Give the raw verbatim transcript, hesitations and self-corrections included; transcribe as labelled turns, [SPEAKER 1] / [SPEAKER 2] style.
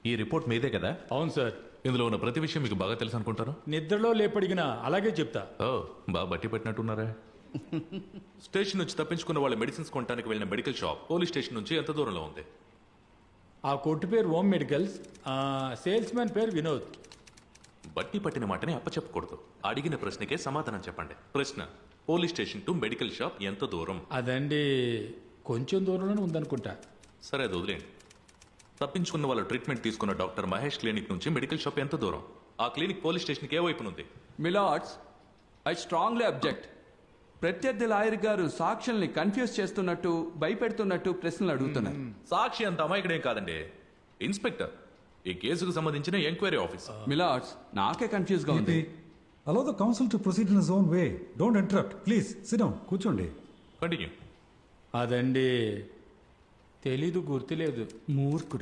[SPEAKER 1] ఈ రిపోర్ట్ మీదే కదా?
[SPEAKER 2] అవును సార్.
[SPEAKER 1] ఇందులో ఉన్న ప్రతి విషయం మీకు బాగా తెలుసు అనుకుంటాను.
[SPEAKER 2] నిద్రలో లేపడిగినా అలాగే చెప్తా.
[SPEAKER 1] ఓ బాగా బట్టి పెట్టినట్టున్నారా? స్టేషన్ నుంచి తప్పించుకున్న వాళ్ళ మెడిసిన్స్ కొనడానికి వెళ్ళిన మెడికల్ షాప్ పోలీస్ స్టేషన్ నుంచి ఎంత దూరంలో ఉంది?
[SPEAKER 2] ఆ కొట్టు పేరు ఓం మెడికల్స్, సేల్స్ మ్యాన్ పేరు వినోద్.
[SPEAKER 1] బట్టి పట్టిన మాటని అప్పచెప్పకూడదు. అడిగిన ప్రశ్నకే సమాధానం చెప్పండి. ప్రశ్న, police station to medical shop ఎంత దూరం?
[SPEAKER 2] అదండి కొంచెం దూరంలోనే ఉందనుకుంటా.
[SPEAKER 1] సరే అది వదిలేండి. తప్పించుకున్న వాళ్ళ ట్రీట్మెంట్ తీసుకున్న డాక్టర్ మహేష్ క్లినిక్ నుంచి మెడికల్ షాప్ ఎంత దూరం? ఆ క్లినిక్ పోలీస్ స్టేషన్కి ఏ వైపునుంది?
[SPEAKER 3] Milords, I strongly object. ప్రత్యర్థి లాయర్ గారు సాక్షుల్ని కన్ఫ్యూజ్ చేస్తున్నట్టు, భయపెడుతున్నట్టు ప్రశ్నలు అడుగుతున్నారు.
[SPEAKER 1] సాక్షి అంత అమాయకుడేం కాదండి, ఇన్స్పెక్టర్, ఈ కేసుకు సంబంధించిన ఎంక్వైరీ ఆఫీసర్.
[SPEAKER 3] మిలార్డ్స్, నాకే కన్ఫ్యూజ్ గా ఉంది.
[SPEAKER 4] Allow the counsel to proceed in his own way. Don't interrupt. Please, sit down. కూర్చోండి.
[SPEAKER 1] కంటిన్యూ.
[SPEAKER 2] అదండి తెలీదు, గుర్తులేదు.
[SPEAKER 3] మూర్ఖుడు.